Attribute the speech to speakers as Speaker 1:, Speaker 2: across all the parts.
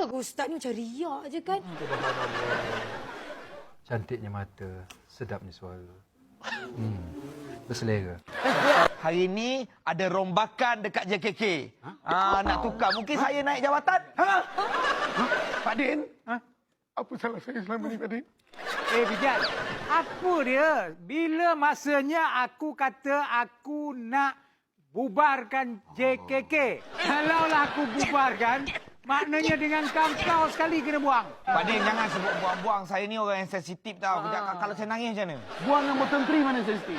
Speaker 1: Betul ke Ustaz ni macam riak je kan?
Speaker 2: Cantiknya mata, sedapnya suara. Berselera.
Speaker 3: Hari ni ada rombakan dekat JKK. Nak tukar. Mungkin saya naik jawatan.
Speaker 4: Pak Din? Apa salah saya selama ni, Pak Din?
Speaker 5: Bijak. Apa dia? Bila masanya aku kata aku nak bubarkan JKK. Kalaulah aku bubarkan, maknanya dengan kau sekali kena buang.
Speaker 3: Pak Din, jangan sebut buang-buang. Saya ni orang yang sensitif tau. Kalau saya nangis macam mana?
Speaker 4: Buang nombor menteri mana sensitif?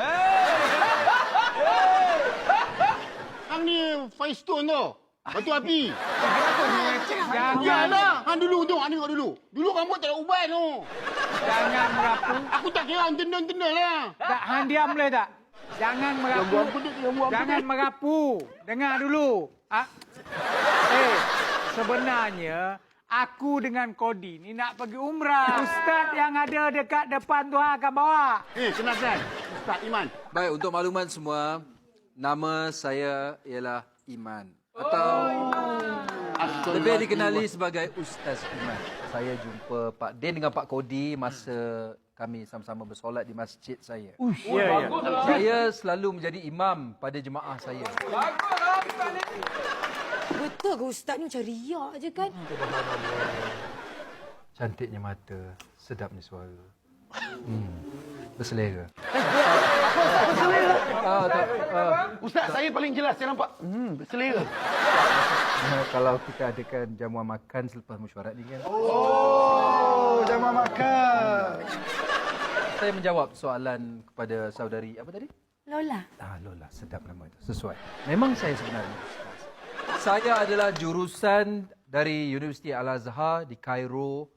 Speaker 4: Hang ni Firestone tu. Batu api. Janganlah. Hang dulu tu. Hang tengok dulu. Dulu rambut tak ada uban tu.
Speaker 5: Jangan merapu.
Speaker 4: Aku tak kira hang tendang-tendang lah.
Speaker 5: Tak, hang diam boleh tak? Jangan merapu. Jangan merapu. Dengar dulu. Sebenarnya aku dengan Kodi ni nak pergi umrah. Ustaz yang ada dekat depan tu akan bawa.
Speaker 4: Kenalkan. Ustaz Iman.
Speaker 6: Baik, untuk makluman semua, nama saya ialah Iman. Atau lebih dikenali sebagai Ustaz Iman. Saya jumpa Pak Din dengan Pak Kodi masa kami sama-sama bersolat di masjid saya. Saya selalu menjadi imam pada jemaah saya.
Speaker 1: Betul ke Ustaz ni macam riak je kan?
Speaker 2: Cantiknya mata, sedapnya suara. Berselera.
Speaker 4: Ustaz, saya paling jelas. Saya nampak. Berselera.
Speaker 2: Kalau kita adakan jamuan makan selepas mesyuarat ni kan.
Speaker 4: Jamuan makan.
Speaker 2: Saya menjawab soalan kepada saudari apa tadi?
Speaker 1: Lola.
Speaker 2: Lola, sedap nama itu. Sesuai. Memang saya sebenarnya Ustaz. Saya adalah jurusan dari Universiti Al-Azhar di Kairo,